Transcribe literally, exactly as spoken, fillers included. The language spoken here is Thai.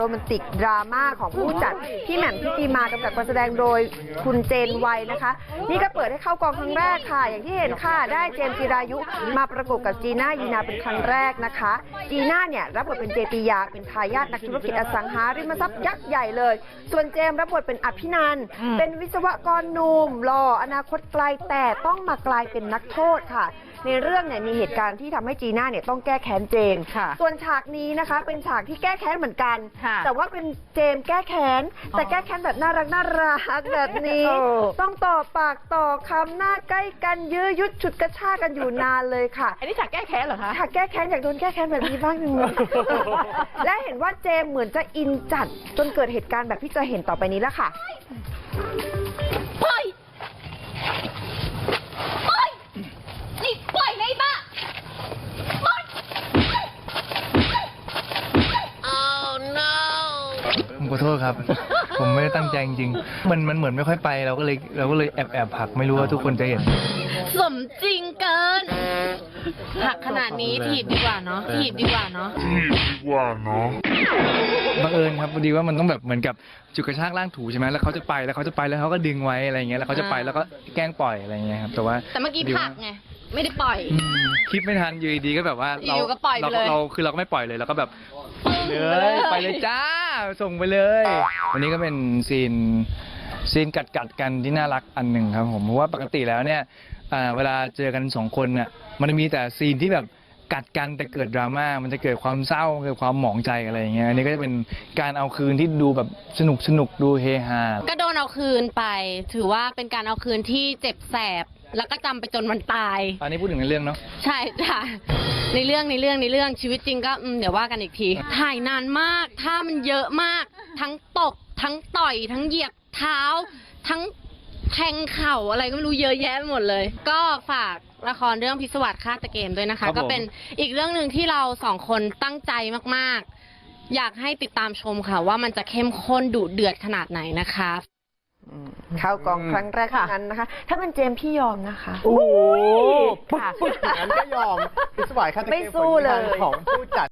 โรแมนติกดราม่าของผู้จัดพี่แหม่มทิติมากำกับการแสดงโดยคุณเจนวัยนะคะนี่ก็เปิดให้เข้ากองครั้งแรกค่ะอย่างที่เห็นค่ะได้เจมส์จิรายุมาประกบกับจีน่ายีนาเป็นครั้งแรกนะคะจีน่าเนี่ยรับบทเป็นเจติยาเป็นทายาทนักธุรกิจอสังหาริมทรัพย์ยักษ์ใหญ่เลยส่วนเจมส์รับบทเป็นอภินันท์เป็นวิศวกรหนุ่มหล่ออนาคตไกลแต่ต้องมากลายเป็นนักโทษค่ะในเรื่องเนี่ยมีเหตุการณ์ที่ทำให้จีน่าเนี่ยต้องแก้แค้นเจมส์ส่วนฉากนี้นะคะเป็นฉากที่แก้แค้นเหมือนกันแต่ว่าเป็นเจมส์แก้แค้นแต่แก้แค้นแบบน่ารักน่ารักแบบนี้ต้องต่อปากต่อคำหน้าใกล้กันยื้อยุดฉุดกระชากกันอยู่นานเลยค่ะอันนี้ฉากแก้แค้นเหรอคะฉากแก้แค้นอยากโดนแก้แค้นแบบนี้บ้างจริงๆและเห็นว่าเจมส์เหมือนจะอินจัดจนเกิดเหตุการณ์แบบที่จะเห็นต่อไปนี้แล้วค่ะปล่อยปล่อยนี่ปล่อยเลยบ้าปล่อย Oh no ผมขอโทษครับ ผมไม่ได้ตั้งใจจริงๆมันมันเหมือนไม่ค่อยไปเราก็เลยเราก็เลยแอบแอบผลักไม่รู้ว่าทุกคนจะเห็นสมจริงเกินหักขนาดนี้ถีบดีกว่าเนาะถีบดีกว่าเนาะถีบดีกว่าเนาะบังเอิญครับพอดีว่ามันต้องแบบเหมือนกับจุดกระชากล่างถูใช่ไหมแล้วเขาจะไปแล้วเขาจะไปแล้วเขาก็ดึงไว้อะไรเงี้ยแล้วเขาจะไปแล้วก็แกล้งปล่อยอะไรเงี้ยครับแต่ว่าแต่เมื่อกี้ผลักไงไม่ได้ปล่อยคิดไม่ทันอยู่ดีก็แบบว่าเราเราเราคือเราก็ไม่ปล่อยเลยเราก็แบบเลยไปเลยจ้าส่งไปเลยวันนี้ก็เป็นซีนซีนกัดกัดกันที่น่ารักอันหนึ่งครับผมเพราะว่าปกติแล้วเนี่ยเวลาเจอกันสองคนเนี่ยมันจะมีแต่ซีนที่แบบกัดกันแต่เกิดดราม่ามันจะเกิดความเศร้าเกิดความหมองใจอะไรอย่างเงี้ยอันนี้ก็จะเป็นการเอาคืนที่ดูแบบสนุกสนุกดูเฮฮาก็โดนเอาคืนไปถือว่าเป็นการเอาคืนที่เจ็บแสบแล้วก็จำไปจนวันตายอันนี้พูดถึงในเรื่องเนาะใช่จ้ะในเรื่องในเรื่องในเรื่องชีวิตจริงก็เดี๋ยวว่ากันอีกทีถ่ายนานมากถ้ามันเยอะมากทั้งตบทั้งต่อยทั้งเหยียบเท้าทั้งแทงเข่าอะไรก็ไม่รู้เยอะแยะไปหมดเลยก็ฝากละครเรื่องพิศวาสฆาตเกมด้วยนะคะก็เป็นอีกเรื่องหนึ่งที่เราสองคนตั้งใจมากๆอยากให้ติดตามชมค่ะว่ามันจะเข้มข้นดุเดือดขนาดไหนนะคะเข้ากองครั้งแรกนั้นนะคะถ้าเป็นเจมส์พี่ยอมนะคะโอ้โหปุ๊บปุ๊บอย่างนั้นก็ยอมพิศวาสฆาตเกมผลงานของผู้จัด